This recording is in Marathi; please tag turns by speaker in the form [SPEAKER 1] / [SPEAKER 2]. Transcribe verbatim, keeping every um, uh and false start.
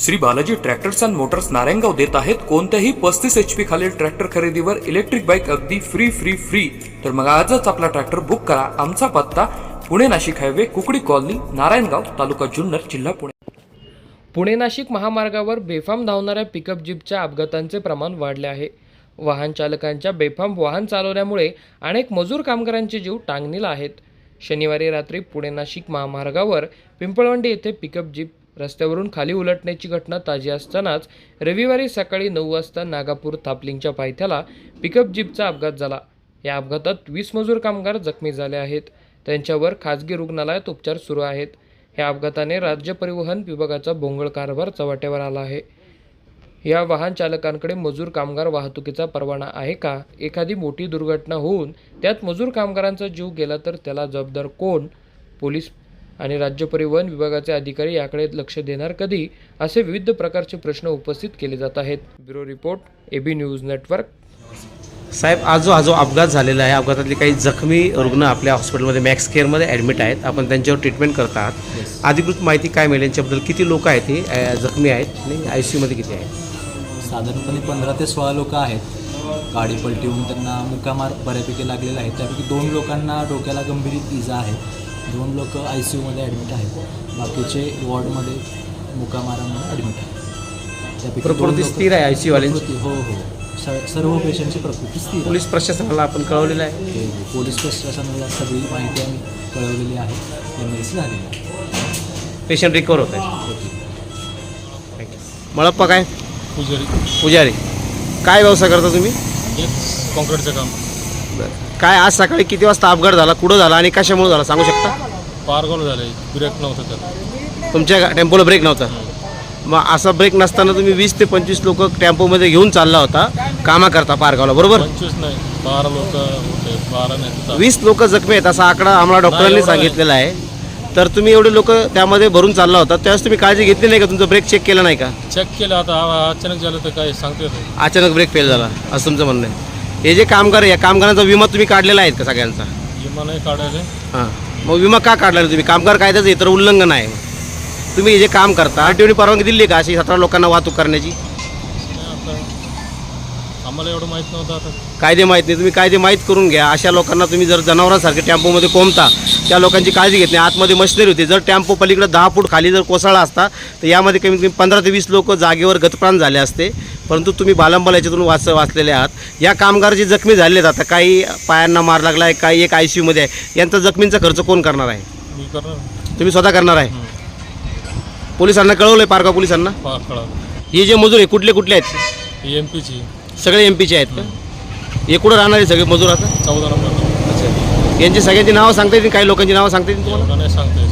[SPEAKER 1] Shri Balaji tractors and motors Narayangaon देत आहेत कोणत्याही पस्तीस एच पी खालील ट्रॅक्टर खरेदीवर इलेक्ट्रिक बाईक अगदी फ्री फ्री फ्री। तर मग आजच आपला ट्रॅक्टर बुक करा। आमचा पत्ता पुणे नाशिक हायवे, कुकडी कॉलनी, नारायणगाव, तालुका जुन्नर, जिल्हा पुणे।
[SPEAKER 2] पुणे नाशिक महामार्गावर बेफाम धावणाऱ्या पिकअप जीपच्या अपघातांचे प्रमाण वाढले आहे। वाहन चालकांच्या बेफाम वाहन चालवण्यामुळे अनेक मजूर कामगारांचे जीव टांगणीला आहेत। शनिवारी रात्री पुणे नाशिक महामार्गावर पिंपळवंडी येथे पिकअप जीप रस्त्यावरून खाली उलटण्याची घटना ताजी असतानाच रविवारी सकाळी नऊ वाजता नागापूर थापलिंगच्या पायथ्याला पिकअप जीपचा अपघात झाला। या अपघातात वीस मजूर कामगार जखमी झाले आहेत। त्यांच्यावर खासगी रुग्णालयात उपचार सुरू आहेत। या अपघाताने राज्य परिवहन विभागाचा भोंगळ कारभार चव्हाट्यावर आला आहे। या वाहन चालकांकडे मजूर कामगार वाहतुकीचा परवाना आहे का? एखादी मोठी दुर्घटना होऊन त्यात मजूर कामगारांचा जीव गेला तर त्याला जबाबदार कोण? पोलीस आणि राज्य परिवहन विभागाचे अधिकारी याकडे लक्ष देणार कधी? असे विविध प्रकारचे प्रश्न उपस्थित केले जात आहेत। Bureau report, AB news network.
[SPEAKER 3] साहेब, आज जो हा जो अपघात झालेला आहे, अपघातातले काही जखमी रुग्ण आपल्या हॉस्पिटलमध्ये मॅक्स केअरमध्ये ॲडमिट आहेत। आपण त्यांच्यावर ट्रीटमेंट करत आहात। अधिकृत माहिती काय मिळेल यांच्याबद्दल? किती लोक आहेत हे जखमी आहेत आणि आय सी यूमध्ये किती आहेत?
[SPEAKER 4] साधारणपणे पंधरा ते सोळा लोक आहेत। गाडी पलटी होऊन त्यांना मुकामार बऱ्यापैकी लागलेला आहे। त्यापैकी दोन लोकांना डोक्याला गंभीर इजा आहे। दोन लोक आय सी यूमध्ये ॲडमिट आहेत। बाकीचे वॉर्डमध्ये मुकामारांमध्ये ॲडमिट आहेत। त्यापैकी
[SPEAKER 3] प्रकृती स्थिर आहे आय सी यूवाल्यांची?
[SPEAKER 4] हो हो सर्व पेशंटची प्रकृती स्थिर।
[SPEAKER 3] पोलीस प्रशासनाला आपण कळवलेलं आहे?
[SPEAKER 4] पोलीस प्रशासनाला सगळी माहिती आम्ही कळवलेली आहे। एमर्जन्सी झालेली आहे।
[SPEAKER 3] पेशंट रिकवर होत आहे। थँक्यू। मळप्पा काय?
[SPEAKER 5] पुजारी
[SPEAKER 3] पुजारी, काय व्यवसाय करता तुम्ही?
[SPEAKER 5] हेच कॉन्क्रीटचं काम।
[SPEAKER 3] बरं, काय आज सकाळी किती वाजता अपघात झाला, कुठं झाला आणि कशामुळे झाला सांगू शकता?
[SPEAKER 5] पारगाव झालं, ब्रेक नव्हतं त्यात।
[SPEAKER 3] तुमच्या टेम्पोला ब्रेक नव्हता? मग असा ब्रेक नसताना तुम्ही वीस ते पंचवीस लोक टेम्पोमध्ये घेऊन चालला होता कामा करता पारगावला, बरोबर?
[SPEAKER 5] पंचवीस नाही, बारा लोक होते। बारा नाही,
[SPEAKER 3] वीस लोक जखमी आहेत असा आकडा आम्हाला डॉक्टरांनी सांगितलेला आहे। तर तुम्ही एवढे लोक त्यामध्ये भरून चालला होता, त्यावेळेस तुम्ही काळजी घेतली नाही का? तुमचं ब्रेक चेक केला नाही का?
[SPEAKER 5] चेक केलं, आता अचानक झालं तर काय सांगते नाही।
[SPEAKER 3] अचानक ब्रेक फेल झाला असं तुमचं म्हणणं आहे? हे जे कामगार आहे, या कामगारांचा विमा तुम्ही काढलेला आहे का सगळ्यांचा?
[SPEAKER 5] विमा नाही काढायला।
[SPEAKER 3] हां, मग विमा का काढला तुम्ही? कामगार कायद्याचं इतर उल्लंघन आहे। तुम्ही हे जे काम करता आरटीओने परवानगी दिली का अशी सतरा लोकांना वाहतूक करण्याची?
[SPEAKER 5] आता आम्हाला एवढं माहीत नव्हतं। आता
[SPEAKER 3] कायदे माहीत नाही, तुम्ही कायदे माहीत करून घ्या। अशा लोकांना तुम्ही जर जनावरांसारखे टेम्पोमध्ये कोंबता, त्या लोकांची काळजी घेत नाही। आतमध्ये मशिनरी होती, जर टेम्पो पलीकडे दहा फूट खाली जर कोसळला असता तर यामध्ये कमीत कमी पंधरा ते वीस लोक जागेवर गतप्राण झाले असते। परंतु तुम्ही बालंबाला याच्यातून वाच वाचलेले आहात। या कामगार जे जखमी झालेले आहेत, आता काही पायांना मार लागला आहे, काही एक आय सी यूमध्ये आहे, यांचा जखमींचा खर्च कोण करणार आहे?
[SPEAKER 5] मी करणार।
[SPEAKER 3] तुम्ही स्वतः करणार आहे? पोलिसांना कळवलं आहे? पारगाव पोलिसांना?
[SPEAKER 5] पार कळालं।
[SPEAKER 3] हे जे मजूर आहे कुठले कुठले आहेत?
[SPEAKER 5] एम पीची
[SPEAKER 3] सगळे एम पीचे आहेत का? हे कुठं राहणारे सगळे मजूर आता?
[SPEAKER 5] चौदा नंबर।
[SPEAKER 3] अच्छा, यांची सगळ्यांची नावं सांगता येतील? काही लोकांची नावं सांगता येतील तुम्हाला?
[SPEAKER 5] एवढं नाही सांगता येत।